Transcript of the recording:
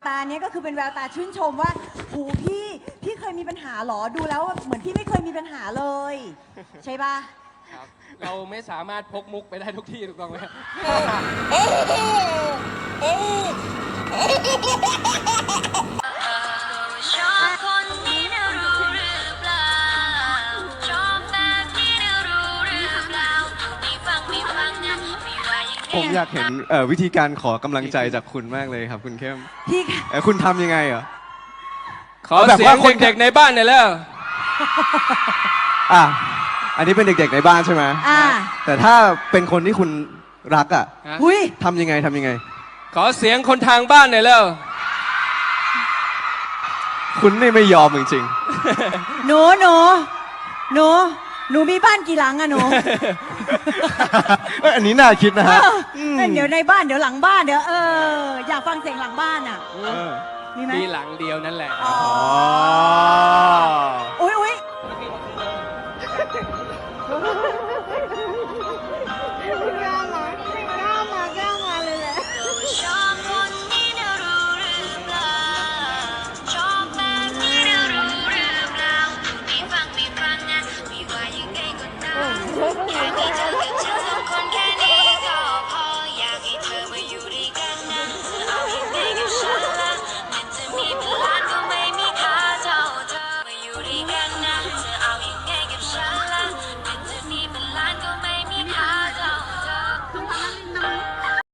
ตาเนี้ยก็คือเป็นแววตาชื่นชมว่าโหพี่เคยมีปัญหาหรอดูแล้วเหมือนพี่ไม่เคยมีปัญหาเลยใช่ปะครับเราไม่สามารถพกมุกไปได้ทุกที่ถูกต้องไหมครับชอบคนนี้นะรู้หรือเปล่าชอบแบบนี้นะรู้หรือเปล่าไม่ฟังนะไม่ว่ายังไงผมอยากเห็นวิธีการขอกำลังใจจากคุณมากเลยครับคุณเข้มพี่คุณทำยังไงเหรอขอแบบเสียว่าง คนเด็กๆในบ้านหน่อยแล้วอ่ะอันนี้เป็นเด็กๆในบ้านใช่ไหมอ่าแต่ถ้าเป็นคนที่คุณรักอ่ะฮะอุ้ยทำยังไงขอเสียงคนทางบ้านหน่อยแล้วคุณนี่ไม่ยอมจริงหนูมีบ้านกี่หลังอะหนูๆ อันนี้น่าคิดนะฮะเดี๋ยวในบ้านเดี๋ยวหลังบ้านเดี๋ยวอยากฟังเสียงหลังบ้านอะมีไหมมีหลังเดียวนั่นแหละอ๋ออ๋ออุ้ย